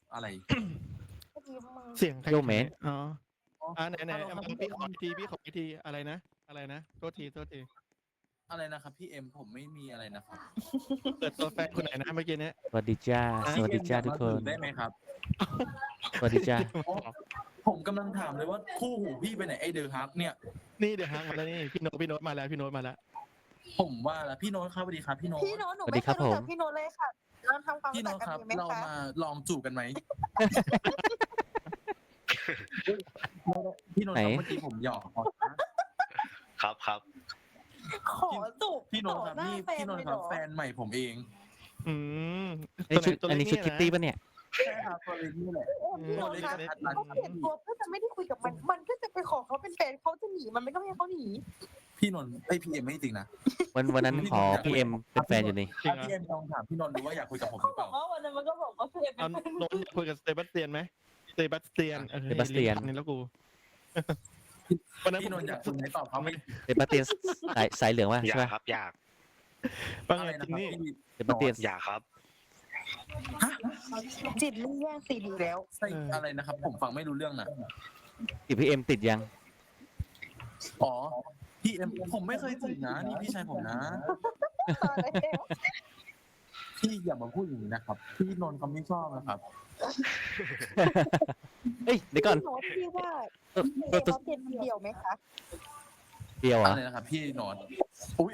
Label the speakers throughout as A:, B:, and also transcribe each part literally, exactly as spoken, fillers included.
A: อะไร
B: เสียงใคร
C: โยเมะ
B: อ๋อ
A: อ๋อ
B: อ่าไหนไหน
A: ฮัลโหลครับ
B: พี่ขออีกทีพี่ขออีกทีอะไรนะ อะไรนะโทษทีโทษที
A: อะไรนะครับพี่เอ็มผมไม่มีอะไรนะครับ
B: เปิดตัวแฟนคนไหนนะเมื่อกี้เนี้ย
C: สวัสดีจ้าสวัสดีจ้าทุกคน
A: ได้ไหมครับ
C: สวัสดีจ้า
A: ผมกำลังถามเลยว่าคู่หูพี่ไปไหนไอเดอร์ฮักเนี่ย
B: นี่เดี๋ยวฮักมาแล้วนี่พี่โน้ตพี่โน้ตมาแล้วพี่โน้ตมาแล้ว
A: ผมว่าแล้วพี่โน้ตครับสวัสดีครับพี่โน้ต
D: พี่โน้ตหนู
C: สวัส
D: ไม่
C: ดี
D: เค
C: ครับ
D: ยรู้จั
C: ผ
D: ก
C: ม
D: พี่โน้ตเลยค่ะเราทำความ
A: พี่
D: รู้
A: โน้
D: จัก
A: ต
D: กัน
A: ครับ
D: ดีไหม
A: เรา
D: คะ
A: มาลองจูบกันไหมพี่โน้ต
C: ไหน
A: ครับเมื่อกี้ผมหยอกนะครับ
E: ครับ
D: ขอจูบ
A: พี่โน้ตครับ
D: ต่อหา
A: พี่
D: แฟ
A: พี่
D: น
A: โน้ต
D: เลย
A: ค
D: เหร
A: รับ
D: อ
A: แฟนใหม่ผมเอง
B: อืม
C: อันนี้ชุด
B: ตัวไห
C: อันนี้ชุด
B: ตัว
C: คิต
B: เล็
C: ตี้
B: ก
C: ปะเนี่ย
A: ใช่ครับตัวเล็กนี่แหละ
D: โอ้พี่โน้ตคะ
A: ตัวเล็ก
D: เขาเปลี่ยนตัวเพื่อจะไม่ได้คุยกับมัน มันก็จะไปขอเขาเป็นแฟนเขาจะหนีมันไม่ก็ไม่ให้เขาหนี
A: พี่นนท์ไอยพี่เอ็มไม่จริงนะ
C: วันวันนั้นขอพี่เอ็มเป็นแฟนอยู่นี่
B: จริง
A: ถ้า
B: เหรอ
A: พี่เอ็มลองถามพี่นนท์ดูว่าอยากคุยกับผมห
D: เขา
A: รือเป
D: บอ
A: ล่าก
D: ว่าวันนั้นมันก็บอกว่าเพื่อนเป็
B: เอา
D: นแฟน
B: โน้ตคุยกับสเตบัสเตียนไหมสเตบัสเตียนออ
C: เซบาสเตียน
B: นี่แล้วกูวันนั้น
A: พี่นนท์อยากคุยไหมตอบเขาไม่
C: เซบาสเตียนสายสายเหลืองวะ
E: อยา
C: ใช่
E: ก
C: ปะ
E: ครับอยาก
B: ว่า
A: อะ
B: ไง
A: ไร
B: จ
A: นะ
B: ริง
A: ครับ
B: นี่
A: พี่
C: เซบาสเตียน
E: อยากครับ
D: จิตลี่แย่งซีดีแล้ว
A: ใช่อะไรนะครับ ผมฟังไม่รู้เรื่องนะ
C: ติดพี่เอ็มติดยัง
A: อ๋อพี่เอ็มผมไม่เคยจีบนะนี่พี่ชายผมนะ
D: ตอนแล้ว
A: พี่อย่ามาพูดอย่างนี้นะครับ พี่นนท์เขาไม่ชอบนะครับ
C: เอ้ยเดี๋ยวก่อน
D: พี่โน้ตพี่ว่า
C: เออ
D: พี่
C: ตัวตัว
D: เขาเป็นเดียวไหมคะ
C: เดียวเหร
A: อะ
C: อ
A: ไรนะครับ พี่นนท์อุ้ย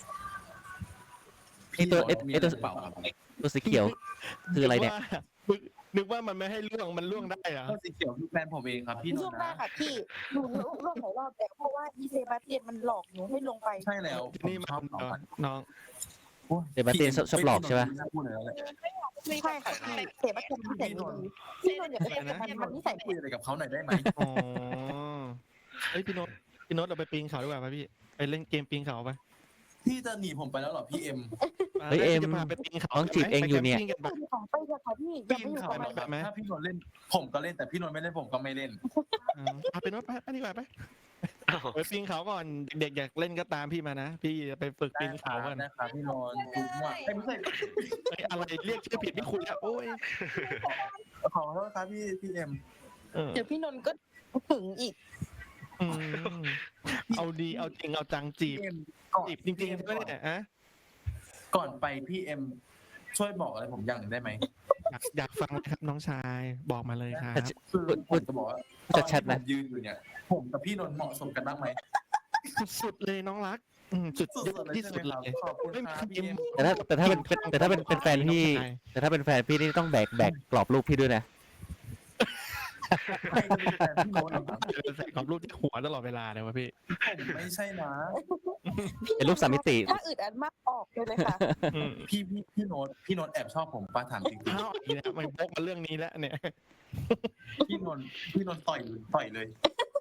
C: ไอ้ตัว
A: พี่นนท์
C: ไอ้
A: มี
C: ไอ้
A: อะไร
C: ตัว
A: หรือเปล่าครับ
C: ตัวสีเขียว คืออะไรเนี่ย
B: นึกว่านึกว่ามันไม่ให้ล่วงมันล่วงได้เหรอ
A: ก็สีเขียวคือแฟนผมเองครับ พี่น
D: ช่วน ง
A: ท์
D: หน้า
A: นะ
D: ค่ะพี่หนูร่วมหลายรอบแต่เพราะว่าอีเซบาสเตียนมันหลอกหนูให้ลงไป
A: ใช่แล้วผม
B: นี่
A: ช
B: มา
A: อบน้องมัน
B: น้อง
A: โอ้ย
C: เซบาสเตียนชอบชอบหลอกใช่ปะ
A: พี่นนท์ไม่น่าพูดเลยแล้วแหละ
D: ใช่ค่ะพี่เซบาสเตียนนิสัยไม่ดีพี่นนท์อย่าไปเป็นกับมันมันนิสัย
A: คุยอะไรกับเขาหน่อยได้ไหม
B: อ๋อเฮ้ยพี่โน้ตพี่โน้ตเราไปปีนเขาดีกว่าป่ะพี่ไปเล่นเกมปีนเขาไป
A: พี่จะหนีผมไปแล้วเหรอพี่เอ็ม
C: เฮ้ยเอ็ม
B: จะพาไปปีนเขา
C: น้องจีบเองอยู่เนี่ย
B: ไปแคมปิ้งกัน
D: ไป
B: ปะ
D: ของไปเลยค่ะพี่อย่าไปอยู่กับมัน
B: แบบไหม
A: ถ้าพี่นนท์เล่น ผมก็เล่นแต่พี่นนท์ไม่เล่นผมก็ไม่เล่น
B: อ่าเอาไปโน้ตไปไปดีกว่าไปไปปีนเขาก่อนเด็กๆอยากเล่นก็ตามพี่มานะพี่จะไปฝึกปีนเขาก่อน
A: ได้ครับพี่นนท์ดูว่าเอ้ยไม่ใช่
B: เฮ้ยอะไรเรียกชื่อผิดไม่คุยแล้วโอ้ย
A: ขอโทษครับพี่พี่เอ็ม
B: เออ
D: เดี๋ยวพี่นนท์ก็ถึงอีก
B: อืมเอาดีเอาจริงเอาจังจีบ
A: พี่เอ็มก่อน
B: จีบจริงๆใช่ไหมเนี่ยอะ
A: ก่อนไปพี่เอ็มช่วยบอกอะไรผมอย่างหนึ่งได้ไหม
B: อยากอยากฟังนะครับน้องชายบอกมาเลยครับ
A: คือผมจะบอกว่า
C: พูดชัดๆนะ
A: ตอที่ผมยืนอยู่เนี่ย ผมกับพี่นนท์เหมาะสมกันบ้างไหม
B: สุดๆเลยน้องรักอืมสุด
A: สุ
B: ยอ
A: ด
B: ด
A: ๆเลย
B: ที่
A: ใช่
B: สุด
A: ไหม
B: เล
A: ครับ
B: ย
A: ขอบคุณครับพี่เอ็ม
C: แต่ถ้าแต่ถ้าเป็นเป็นแต่ถ้าเป็นเป็นแฟนพี่ แต่ถ้าเป็นแฟนพี่นี่ต้องแบกแบกกรอบรูปพี่ด้วยนะ
A: ใครจะเป็นแฟนพี่โน้ตเหรอครับ
B: ใส่กรอบรูปที่หัวตลอดเวลาเลยวะพี่
A: ผมไม่ใช่นะ
C: เป็นรูปสามมิติ
D: ถ้าอึดอัดมากออกเลยเลยค่ะ
B: อืม
A: พี่พี่พี่โน้ตพี่โน้ตแอบชอบผมป้าถามจริง
B: เอ้าอีกแล้วมันบกมาเรื่องนี้แล้วเนี่ย
A: ๆพี่นนท์พี่นนท์ต่อยต่อยเลย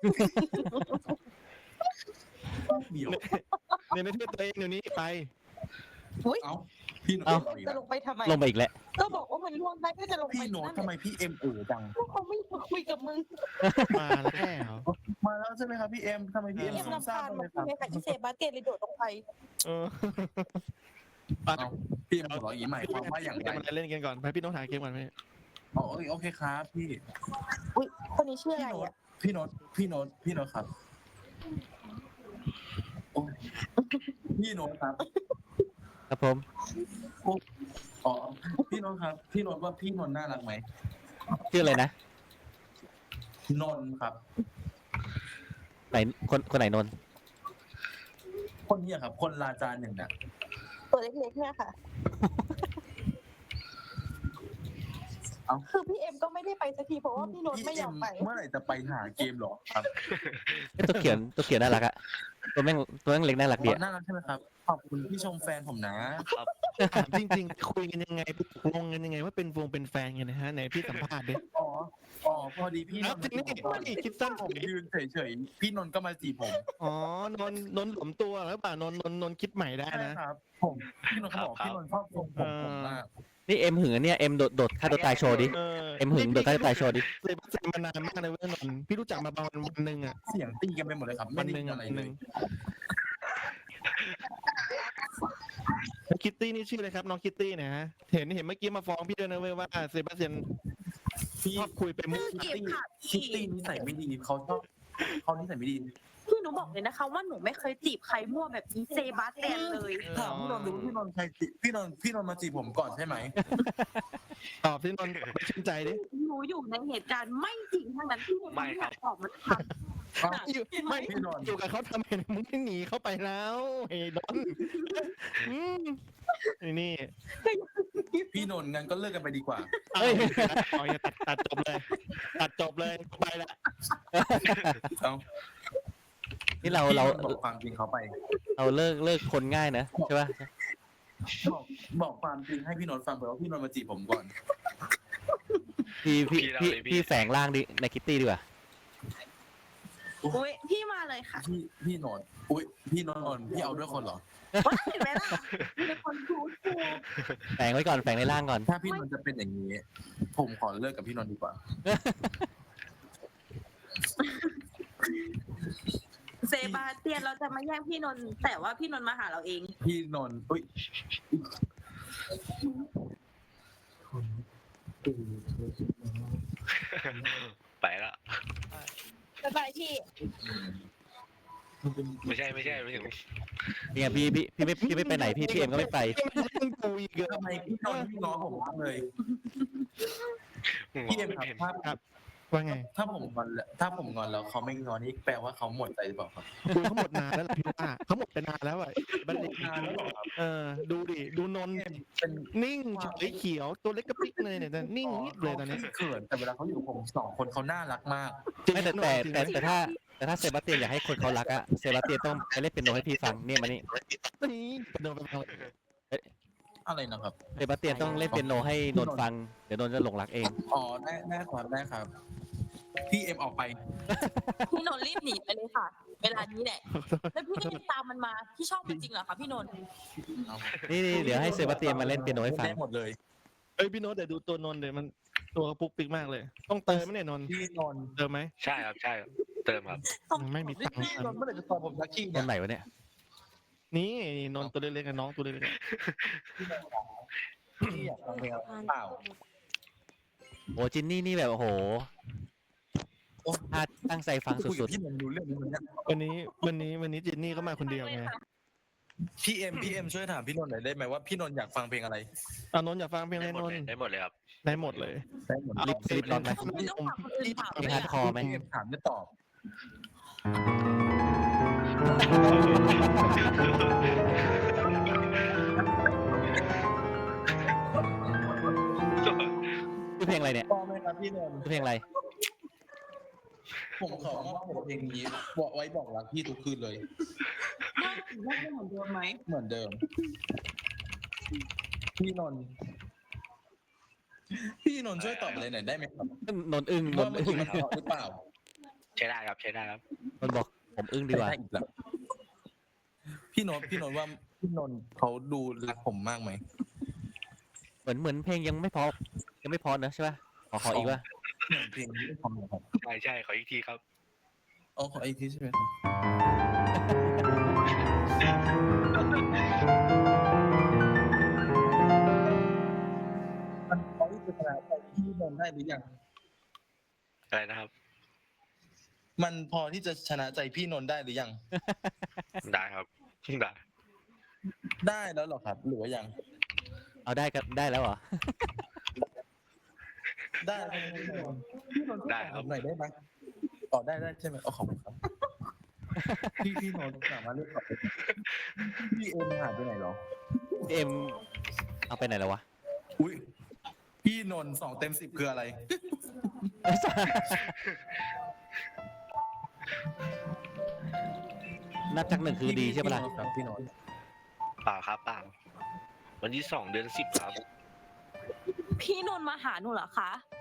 A: เดี๋ยว
B: ในประเทศตัวเองเดี๋ยวนี้ไป
D: อุ้ย
A: เอ้าพี่โน้ต
C: เอ้า
A: ต่อยอีก
D: จะ
A: แล้ว
D: ลงไปทำไม
C: ลงไปอีกแล้ว
D: ก็บอกว่ามันล่วงได้ก็จะลงไป
A: พี่โน้ตทำไมพี่เอ็มเอ๋อจัง
D: เขาไม่มาคุยกับมึง
B: มาแล้ว
A: มาแล้วใช่ไหมครับพี่เอ็มทำไมพี่เอ็ม
D: เอ็ม
A: ซุ่ม
D: ลำ
A: ซ่า
D: คาญ
A: ม
D: มั
A: เล
D: น
A: ยครับ
D: ใช่ไหมคะอีเซบาสเตียนเลยโดดลงไป
B: เออ
A: เอ้าพี่เอ็มหัวเราะอย่างนี้หมายความว่าอย่างไร
B: เกมอะไรเล่นกันก่อนไปพี่น้องถ่ายเกมก่อนพี่
A: อ๋อโอเคโอเคครับพี่
D: อุ้ยคนนี้ชื่อ
A: พี่
D: อะไร
A: โน้ต
D: อ่ะ
A: พี่โน้ตพี่โน้ตพี่โน้ตครับโอ้ยพี่โน้ตครับ
C: ครับผม
A: อ๋อพี่โน้ตครับ พี่โน้ตว่าพี่นนท์น่ารักไหม
C: ชื่ออะไรนะ
A: นนท์ครับ
C: ไหนคนคนไหนนนท์
A: คนนี้อะครับ คนลาจานหนึ่งน่ะ
D: ตัวเล็กๆเนี่ยค่ะ
A: เอ้า
D: คือพี่เอ็มก็ไม่ได้ไปสักทีเพราะว่าพี่โน้ต
A: พี่
D: ไม่ย
A: เอ็
D: อ
A: ม
D: มไป
A: เมื่อไหร่จะไปหาเกมเหรอครับ
C: เอ้ยตัวเขียนตัวเขียนน่ารักอะตัวแม่งตัวแม่งเล็กน่ารักดีอะ
A: น่ารักใช่ไหมครับ ขอบคุณที่ชมแฟนผมนะ
E: ครับ
B: ถามจริงๆคุยกันยังไงงงกันยังไงว่าเป็นวงเป็นแฟนกันนะฮะไหนพี่สัมภาษณ์ดิ
A: อ๋อ อ๋อ พอดีพี่น
B: เอา
A: นท์
B: ทีนี้นี่คิดสั้น
A: ผมยืนเฉยๆ พี่นนท์ก็มาจีบผม
B: อ๋อนนนนหลวมตัวหรือเปล่านนนนนนคิดใหม่ได้
A: ใช่
B: นะ
A: ครับ ผม พี่นนท์เขาบอกพี่นนท์ชอบทรงผมผมมาก
C: นี่เอ็มหึงอะเนี่ยเอ็มโดดโดดฆ่าตัวตายโชว์ดิ
B: เออ
C: เอ็มหึงโดดฆ่าตัวตายโชว์ดิ
B: เซบาสเตียนมานานมากเลยเว้ยนนท์พี่รู้จักมาประมาณวันหนึ่งอ่ะ
A: เสียงตีกันไปหมดเลยครับ ไม่
B: วัน
A: ได้
B: หนึ่ง
A: ยิน
B: อะ
A: อะไร
B: วันห
A: เล
B: นึ่
A: ย
B: งแล้วคิตตี้นี่ชื่ออะไรครับน้องคิตตี้เนี่ยฮะเห็นเห็นเมื่อกี้มาฟ้องพี่ด้วยนะเว้ยว่าเซบาสเตียน
A: พี่
B: ชอบคุยไปมุก
D: เก็บค่ะ
A: คิ
D: พี่
A: ตตี้นิสัยไม่ดีเขาชอบเขานิสัยไม่ดี
D: พี่หนูบอกเลยนะคะว่าหนูไม่เคยจีบใครมั่วแบบนี้เซบาสเตียนเลย
A: ถามพี่นนท์ดูพี่นนท์ใครจีพี่นนท์พี่นนท์มาจีบผมก่อนใช่ไหม
B: ตอบที่นนท์ไม่ชื่นใจดิ
D: หนูอยู่ในเหตุการณ์ไม่จริงทั้งนั้นพี่หนู
E: ไม่ครับ
D: ออกมาท
A: เอ้า
B: อยู่ไม่
A: พี่นนท์
B: อยู่กับเขาทำไมมึงไม่หนีเข้าไปแล้วเฮ้ยนนท์อืมไอ้นี่
A: พี่นนท์งั้นก็เลิกกันไปดีกว่า
B: เฮ้ยเอาอย่าตัดตัดจบเลย ตัดจบเลยไปละ
A: เอ้า
C: นี่เราเรา
A: พี่นนท์บอกความจริงเขาไป
C: เราเลิกเลิกคนง่ายนะใช่ป่ะ
A: บอกบอกความจริงให้พี่นนท์ฟังไปว่าพี่นนท์มาจีบผมก่อน
C: พี่พี่
E: พี่
C: พี่
E: เราเลยพี่
C: พี่แฝงร่างดิในคิตตี้ดีกว่า
D: ำอุ้ยพี่มาเลยค่ะ
A: พี่พี่นนท์อุ้ยพี่นนท์พี่เอาด้วยคนเหรอ
D: ว่าเห็นไหมล่ะเป็นคนพูดถูก
C: แฝงไว้ก่อนแฝงในร่างก่อน
A: ถ้าพี่นนท์จะเป็นอย่างนี้ ผมขอเลิกกับพี่นนท์ดีกว่า
D: เซบาสเตียนเราจะมาแย่งพี่นนท์แต่ว่าพี่นนท์มาหาเราเอง
A: พี่นนท์อุ้ย
E: ไปละ
D: บ๊ายบายพี่
E: ไม่ใช่ไม่ใช่ไม่ถึง
C: เนี่ยพี่พี่พี่ไม่พี่ไม่ไปไหนพี่พี่เอ็มก็ไม่ไป
B: มึงกูอีกเยอะ
A: ทำไมพี่นนท์พี่ง้อผมมากเลย
E: งอ
A: พี่เอ็ม
E: ไม่
A: ครับ
E: เป็น
A: ถ้า
B: ครับว่าไง
A: ถ้าผมงอนแล้วถ้าผมงอนแล้วเขาไม่งอนนี่แปลว่าเขาหมดใจหรือเปล่าครับ
B: คุยเขาหมดนานแล้วล่ะพี่ว่าเขาหมดไปนานแล้วอ่ะบันเด็ก
A: นานแล้วเหรอครับ
B: เออดูดิดูนนท์
A: เป็น
B: นิ่งเฉยเขียวตัวเล็กกระปิ๊กเลยเนี่ยแต่นิ่งนิดเลยตอนนี้
A: เขินแต่เวลาเขาอยู่กับผมสองคนเขาน่ารักมาก
C: ไม่แต่แต่แต่แต่ถ้าแต่ถ้าเซบาสเตียนอยากให้คนเขารักอะเซบาสเตียนต้องไปเล่นเปียโนให้พี่ฟังเนี่ยมานี่
B: นี่โดนไปทาง
A: อะไรนะครับ
C: เซบาสเตียนต้องเล่นเปียโนให้นนท์ฟังเดี๋ยวนนท์จะหลงรักเอง
A: อ๋อได้ได้ครับได้ครับ พี่เอ็มออกไป
D: พี่นนท์รีบหนีไปเลยค่ะ เวลานี้แหละ แล้วพี่ก็ยังตามมันมา พี่ชอบมันจริงเหรอคะพี่นนท์
C: นี่นี่เดี๋ยวให้เซบาสเตียนมาเล่นเปียโนให้ฟัง
A: ได้หมดเลย
B: เอ้ยพี่โน้ตแต่ดูตัวนนท์เดี๋ยวมันตัวกระปุกปิกมากเลย ต้องเติมไหมเนี่ยนนท์
A: พี่นนท์
B: เติมไหม
E: ใช่ครับใช่ครับเติมครับ
B: ไม่มีตังค์
A: พี่นนท์เมื่อไหร่จะตอบผมสักที
C: น
A: เนี่ย
C: นท์ไหนวะเนี่ย
B: นี่นนท์ตัวเล็กๆกับน้องตัวเล็ก
A: พี่อยากฟังเพลงอะไรเปล่า
C: โอ้จินนี่นี่แบบโอ้โห
A: โอ้
C: ถ้าตั้งใจฟัง
A: คุย
C: สุ
A: กับ
C: ด
A: พี่นนท์รู้เรื่องนี้มันเนี่ย
B: ๆวันนี้วันนี้วันนี้จินนี่ก็มาคนเดียวไง
A: พี่เอ็มพี่เอ็มช่วยถามพี่นนท์หน่อยได้ไหมว่าพี่นนท์อยากฟังเพลงอะไร
B: เอานนท์อยากฟังเพลงอะไร
E: ได้หมด
B: นน
E: เลย
B: ท์
E: ได้หมดเลยครับ
B: ได้หมดเลย
A: ได้หมด
C: ๆลิปสลิปนอนไหม
D: ไม่ต้องฝากคนอื่นถาม
C: มี
D: เลย
C: ฮาร์ด
D: อะ
C: คอร์ไหม
A: พี่เอ็มถามจะตอบ
C: ชื่อเพลงอะไรเนี่ย
A: พอไหมครับพี่นนท์
C: ชื่อเพลงอะไร
A: ผมขอมอบผมเพลงนี้บอกไว้บอกรักพี่ทุกคืนเลย
D: ได้เหมือนเดิมไหม
A: เหมือนเดิม พี่นนท์พี่นนท์ช่วยตอบอะไรหน่อยได้ไหมครับ
C: นนท์อึ้งน
A: ว่าน
C: ท์
A: มัน
C: อึ้
A: ถู
C: ง
A: กมันหรือเปล่า
E: ใช้ได้ครับใช้ได้ครับ
C: นนท์บอกผมอึ้งดีกว่า
A: ได้อีกแล้วพี่นนท์พี่นนท์ว่าพี่นนท์เขาดูรักผมมากไหม
C: เหมือนเหมือนเพลงยังไม่พอยังไม่พอนะใช่ป่ะขอขออีกว่า
A: เหมือนเพลงนี้ทำนะครับ
E: ใช่ใช่ขออีกทีครับ
A: อ๋อขออีกทีใช่ไหมครับมันเขาจะชนะใจพี่นนท์ได้หรือยัง
E: อะไรนะครับ
A: มันพอที่จะชนะใจพี่นนท์ได้หรือยัง
E: ได้ครับได้
A: ได้แล้วเหรอครับ หรือว่ายัง
C: เอาได้กันได้แล้วเหรอ
A: ได้แล้วพี่นนท์พี่นนท์ช่วยตอบผมหน่อยได้ไหมตอบได้ได้ใช่ไหมอ๋อขอบคุณครับ พี่พี่นนท์สามารถเลือกตอบได้ไหมพี่เอ็มหายไปไหนเหรอ
C: เอ็มเอาไปไหนแล้ววะ
A: อุ้ยพี่นนท์สองเต็มสิบคืออะไร
C: นับจากหนึ่งคือดีใช่ปะล่ะ
A: ครับพี่นนท์
E: เปล่าครับเปล่าวันที่สองเดือนสิบครับ
D: พี่นนท์มาหาหนูเหรอคะ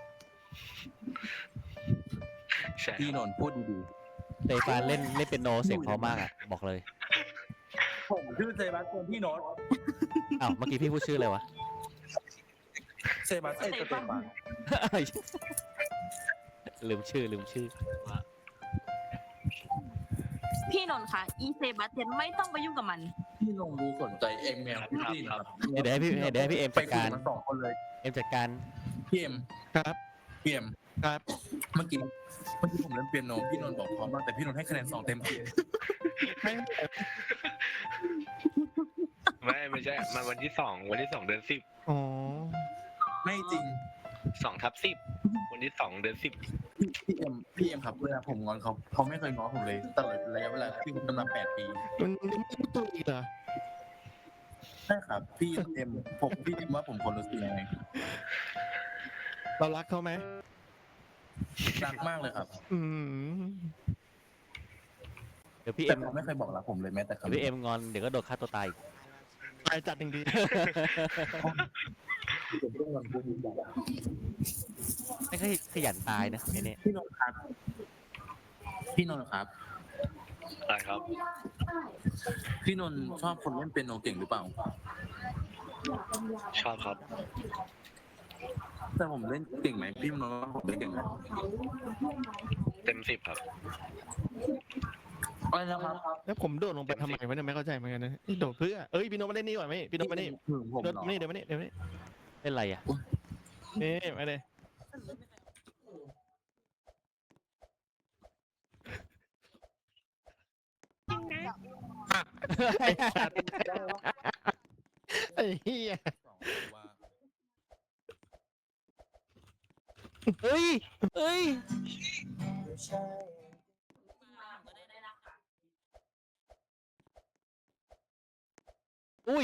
E: ใช่
A: พี่นนท์พูดดี
C: เตฟานเล่นเล่นเป็นโนเสียงเพราะมากอ่ะบอกเลย
A: ๆผมชื่อเซบาสเตียนพี่โนท์
C: อ้าวเมื่อกี้พี่พูดชื่ออะไรวะ
A: เซบาสเตียนสเตฟาน
C: ลืมชื่อลืมชื่อ
D: พี่นนท์คะอีเซบาสเตียนไม่ต้องไปยุ่งกับมัน
A: พี่นนท์รู้สนใจเอ็มแมวพี่นะครับ
C: เดี๋ยวให้พี่เดี๋ยวให้พี่เอ็ม
A: ไป
C: จัด
A: คุย
C: การ
A: กับมันสองคนเลย
C: เอ็มจัดการ
A: พี่เอ็ม
B: ครับ
A: เปียม
B: ครับ
A: เมื่อกี้เมื่อกี้ผมเล่นเปียโนพี่นนท์บอกพร้อมมากแต่พี่นนท์ให้คะแนนสองเต็มสิบ
B: ไม่
E: ไม่ไม่ใช่มาวันที่สองวันที่สองเดือนสิบ
B: อ๋อ
A: ไม่จริง
E: สองทับสิบวันที่สองเดือนสิบ
A: พี่พี่เอ็มพี่เอ็มครับเวลาผมงอนเขาเขาไม่เคยง้อผมเลยตลอดระยะเวลาที่ผมทำมาแปดปี
B: มันมันไม่รู้ตัวอีกเหรอ
A: ใช่ครับ พี่เอ็มผมพี่เอ็มว่าผมคนรู้สึกยังไง
B: เรารักเขาไหม
A: รักมากเลยครับ
B: อืม
C: เดี๋ยวพี่
A: แต่
C: เอ็ม
A: เขาไม่เคยบอกรักผมเลยแม้แต่คำ
C: เดี๋ยวพี่เอ็มงอนเดี๋ยวก็โดนฆ่าตัวตายอีก
B: ตายจัดจริง
A: ผมต้องวันพูดอย่าง
C: ไม่ค่อยขยันตายนะไอ้เนี่ย
A: พี่นนท์ครับ พี่นนท์ครับ
E: อะไรครับ
A: พี่นนท์ชอบคนเล่นเปียโนเก่งหรือเปล่า
E: ชอบครับ
A: แต่ผมเล่นเก่งไหมพี่นนท์ว่าผมเล่นเก่งไหม
E: เต็มสิบครับ
A: อะไรนะครับ
B: ๆแล้วผมโดดลงไปทำไมวะเนี่ยไม่เข้าใจเหมือนกันนะนี่โดดเพื่อเอ้ยพี่โนตมาเล่นนี่ก่อนไหมพี่โนตมานี่
A: ถึงผม
B: โดด
A: เหรอ
B: มานี่เดี๋ยวมานี่เดี๋ยวมานี่
C: เป็นไรอ่ะ
B: นี่มาเลยไอ้สัตว์ไอ้เหี้ย
C: เฮ้ยเฮ้ยอุ้ย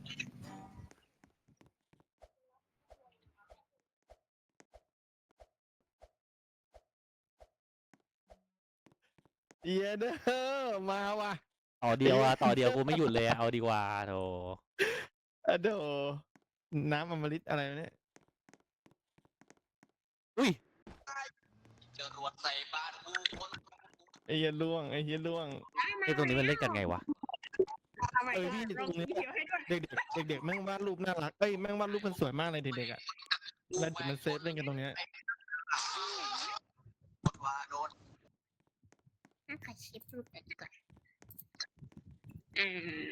B: เหี้ยเด้อมาว่ะ
C: ต่อเดียวอะต่อเดียวกูไม่หยุดเลยอะเอาดีกว่าโธ่
B: อะโดน้ำอมฤตอะไรวะเนี่ย
C: อุ้ย
B: ไอ้เหี้ยล่วงไอ้เหี้ยล่วง
C: ไอ้ตรงนี้มันเล่นกันไงวะ
B: เออพี่ตรงนี้เด็กๆเด็กๆแม่งวาดรูปน่ารักเอ้ยแม่งวาดรูปมันสวยมากเลยเด็กๆอ่ะแล้วเด็กมันเซฟเล่นกันตรงเนี้ย
F: น่าถ่ายคลิปรูปแบบนี้ก่อนอืม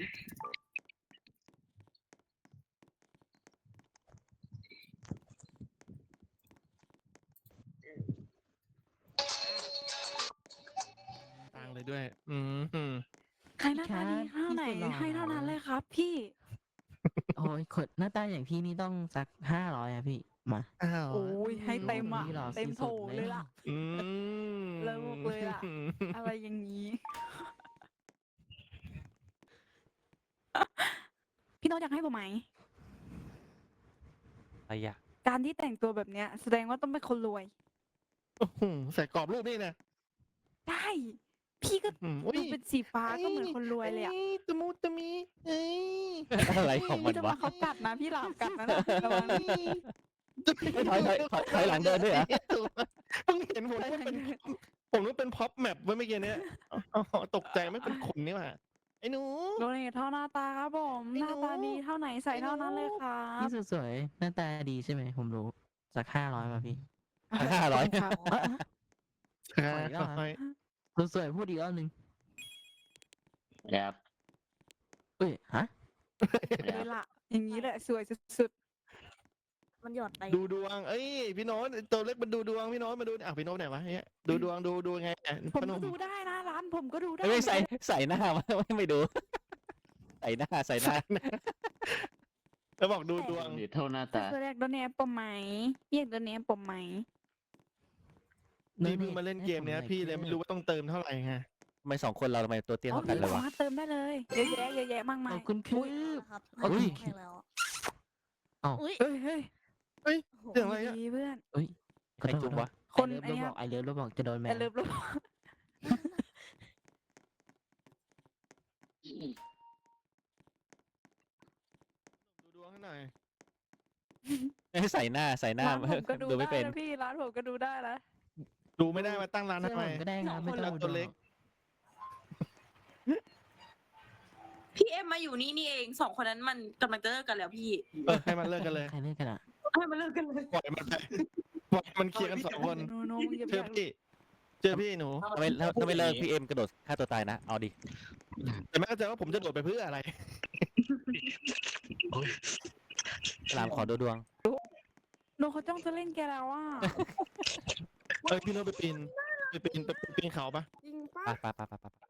B: ต่างเลยด้วย อืม
G: ใครหน้าตาดีเท่าไหนให้เท่านั้นเลยครับ พี่
H: โอ้ยขดหน้าตาอย่างพี่นี่ต้องสักห้าร้อยอะพี่ มา
B: อ้าว
G: โอ้ยให้เต็มอ่ะ
H: พี่หล่อ
G: เต็มโถ
H: สุดๆ
G: เลยล่ะ
B: อืม
G: เลิกเลยอะ อะไรอย่างนี้ พี่โน้ตอยากให้ผมไหม
C: อะไรอะ
G: การที่แต่งตัวแบบเนี้ย แสดงว่าต้องเป็นคนรวย
B: โอ้โหใส่กรอบรูปนี่นะ
G: ได้ พี่ก็
B: อืมอุ้ย
G: ดูเป็นสีฟ้าก็เหมือนคนรวยเลยอ่ะ
B: อ้ตะมูตะมีเอ้ย
C: อะไรของมัน
G: พี่จะ
C: วะ
G: มาเขากัดนะพี่หลามกัดนะนะระวังนะ
C: ไม่ถอยถอยถอยถอยหลังเดินด้วยเหรอ
B: เพิ่งเห็นผมว่าเป็นผมรู้เป็นพ็อปแมปไว้เมื่อกี้เนี้ยอ๋อตกใจไม่เป็นคนนี่หว่าไอ้หนู
G: โดเนทเท่าหน้าตาครับผม
B: ไอ้
G: ห
B: หนู
G: น้าตาดีเท่าไหนใส่เท่านั้นเลยครั
H: พี่
G: บ
H: สวยๆหน้าตาดีใช่ไหมผมรู้ สักห้าร้อยมาพี่
C: ห้าร้อย
G: ครับ
B: ครับ
H: ปล่อยแล้วเหรอ
B: ค่อย
H: สวยๆพูดอีกรอบหนึ่ง
I: ครับ
H: เอ้ยฮะ
G: เลยล่ะ อย่างนี้แหละสวยสุด
F: มันหยอดไป
B: ๆดูดวง เอ้ยพี่โน้ตตัวเล็กมันดูดวงพี่โน้ตมาดูอ่ะพี่โน้ตไหนวะเนี่ยดูดวงดูดูไงอ่ะ
G: ๆ ผม
B: พน
G: ก็
B: ม
G: ดูได้นะร้านผมก็ดูได้
C: ไม่ใส่ใส่หน้ามาไม่ไม่ดู ใส่หน้าใส่หน้า
B: แล้วบอกดูดวง
I: หรือเท่าหน้าตา
G: คือแรกโดนเนปมไหมเรียกโดนเนปมไหม
B: นี่เพิ่งมาเล่นเกมเนี้ยพี่เลยไม่รู้ว่าต้องเติมเท่าไหร่ไง
C: ทำไมสองคนเราทำไมตัวเตี้ย
G: อ๋อ
C: เท่ากันเลยวะ
G: สามารถเติมได้เลยเยอะแยะเยอะแยะมากมา
H: ข
G: ย
H: อบคุณครับ
F: ครับ
H: อุ้ย
F: ให้แล้ว
H: เอ้า
F: อุ้ย
G: เฮ้ยเฮ้ย
B: เรื่องอะไรอ่ะ
G: ดีเพื่อน
H: ขอ
C: ใคร
H: โทษ
C: จุ๊บวะ
G: คน
H: ไอ
G: ไอ้
H: เลิฟ
G: เนี่ย
H: บอกไอเลิฟแล้วบอกจะโดนแม
G: แต่
H: น
G: เลิฟลบ
B: ดูดวงให้หน่อย
C: ใส่หน้าใส่หน้า
G: ร้านผมก็ดู
C: ดูไม่
G: ได้
C: เป็น
G: นะพี่ร้านผมก็ดูได้นะ
B: ดูไม่ได้มาตั้งร้าน
H: เสื้อ
B: ทำไม
H: ผมก็ได้ครับไม่
B: คน
H: ต้
B: ละ
H: อง
B: ตัวเล็ก
D: พี่เอ็มมาอยู่นี่นี่เองสองคนนั้นมันกำลังจะเลิกกันแล้วพี่
B: เออให้มันเลิกกันเลย
H: ใครเล่นกันอ่ะ
D: ให้มันเลิกกันเลย
B: ปล่อยมันไปปล่อยมันเคลียร์กันสองคน
G: โนโนมึงอย่า
B: เจอ
G: อยาก
B: พี่เจอพี่หนู
C: ถ้าไม่ถ้าไม่เลิกพี่เอ็มกระโดดฆ่าตัวตายนะเอาดิ
B: แต่ไม่เข้าใจว่าผมจะโดดไปเพื่ออะไร
C: สลามขอดูดวง
G: โนเขาจ้องจะเล่นแกแล้วอ่ะ
B: เอ้ยพี่โน้ตไปปีนไปปีนไปปีนเขาปะ
J: จริงปะ
C: ไปไปไปไปไป